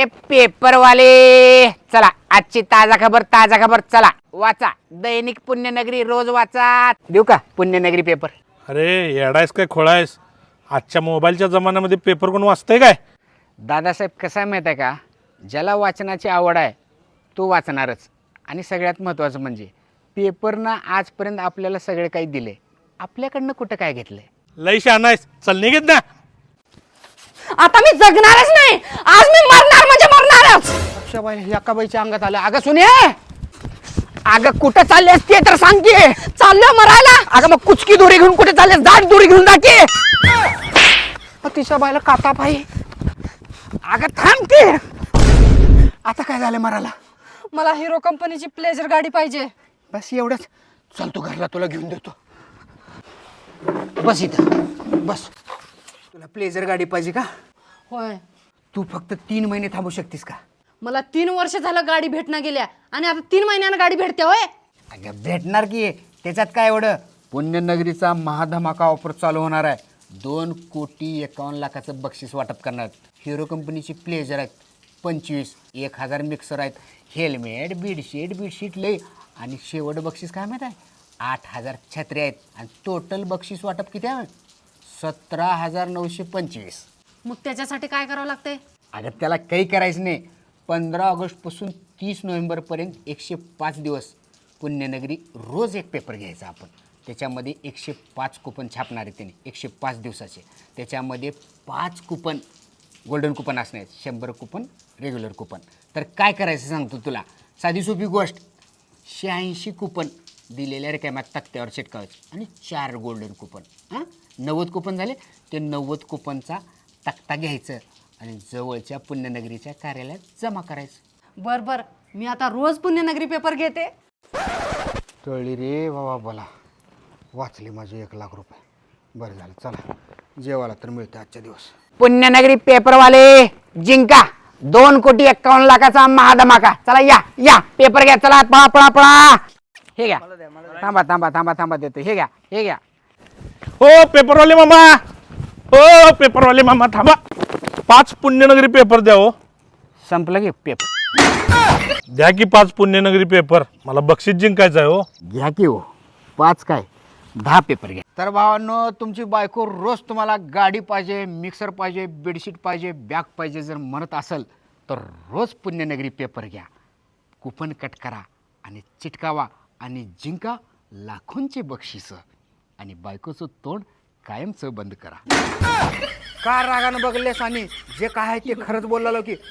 ए पेपरवाले चला आजची ताजा खबर चला वाचा दैनिक पुण्यनगरी रोज वाचा देऊ का पुण्यनगरी पेपर. अरे येडायस काय खोळायस? आजच्या मोबाईलच्या जमान्यामध्ये पेपर कोण वाचतंय काय? दादासाहेब कसा आहे माहीत आहे का, ज्याला वाचनाची आवड आहे तो वाचणारच. आणि सगळ्यात महत्त्वाचं म्हणजे पेपरनं आजपर्यंत आपल्याला सगळे काही दिले, आपल्याकडनं कुठं काय घेतलंय. लय शहाणायस, चल निघेत ना. आता मी जगणारच नाही, आज मी मरणार म्हणजे मरणारच. अक्षाबाई अक्काबाईच्या अंगात आलं. अगं सुने, अगं कुठं चाललेस ते तर सांग की. चाललो मरायला. अगं मग कुचकी दोरी घेऊन कुठे चाललेस? दाट दोरी घेऊन जा की. तिच्या बायला काटा पाई. अगं थांब की. आता काय झालं मराला? मला हिरो कंपनीची प्लेजर गाडी पाहिजे. बस एवढंच. चल तू घरला, तुला घेऊन देतो. बस इथं बस. तुला प्लेजर गाडी पाहिजे का? होय, तू फक्त 3 महिने थांबू शकतीस का? मला 3 वर्ष झालं गाडी भेटणं गेल्या आणि आता 3 महिन्यानं गाडी भेटते. होय, अगं भेटणार की, त्याच्यात काय एवढं. पुण्यनगरीचा महाधमाका ऑफर चालू होणार आहे. 2,51,00,000चं बक्षीस वाटप करणार आहेत. हिरो कंपनीची प्लेजर आहेत 25, 1,000 मिक्सर आहेत, हेल्मेट बेडशीट लय. आणि शेवट बक्षीस काय माहीत आहे? 8,000 छत्र्या आहेत. आणि टोटल बक्षीस वाटप किती आहे? 17,925. मग त्याच्यासाठी काय करावं लागतंय? अगं त्याला काही करायचं नाही. 15 ऑगस्टपासून 30 नोव्हेंबरपर्यंत 105 दिवस पुण्यनगरी रोज एक पेपर घ्यायचा आपण. त्याच्यामध्ये 105 कुपन छापणार आहे त्याने 105 दिवसाचे. त्याच्यामध्ये 5 कुपन गोल्डन कुपन असणार आहेत, 100 कुपन रेग्युलर कुपन. तर काय करायचं सांगतो तुला, साधी सोपी गोष्ट. 86 कुपन दिलेल्या रिकाम्या तक्त्यावर चिटकावायचे आणि 4 गोल्डन कुपन. 90 कुपन झाले. ते 90 कुपनचा तक्ता घ्यायचं आणि जवळच्या पुण्यनगरीच्या कार्यालयात जमा करायचं. बर, मी आता रोज पुण्यनगरी पेपर घेते. कळली रे बाबा, बोला वाचले माझे 1,00,000 रुपये. बरं झालं, चला जेवायला तर मिळते आजच्या दिवस. पुण्यनगरी पेपरवाले जिंका 2,51,00,000चा महाधमाका. चला या पेपर घ्या. चला पळा. हे घ्या. थांबा देतो. हे घ्या. हो पेपरवाले मामा थांबा. 5 पुण्यनगरी पेपर द्या हो. संपलं की पेपर. द्या की 5 पुण्यनगरी पेपर, मला बक्षीस जिंकायचं आहे हो. घ्या की हो. 5 काय 10 पेपर घ्या. तर भावांनो, तुमची बायको रोज तुम्हाला गाडी पाहिजे, मिक्सर पाहिजे, बेडशीट पाहिजे, बॅग पाहिजे जर म्हणत असेल तर रोज पुण्यनगरी पेपर घ्या. कुपन कट करा आणि चिटकावा आणि जिंका लाखोंचे बक्षीस. आणि बायकोचं तोंड कायमचं बंद करा. का रागानं बघलेस आणि जे काय आहे ते खरंच बोललो की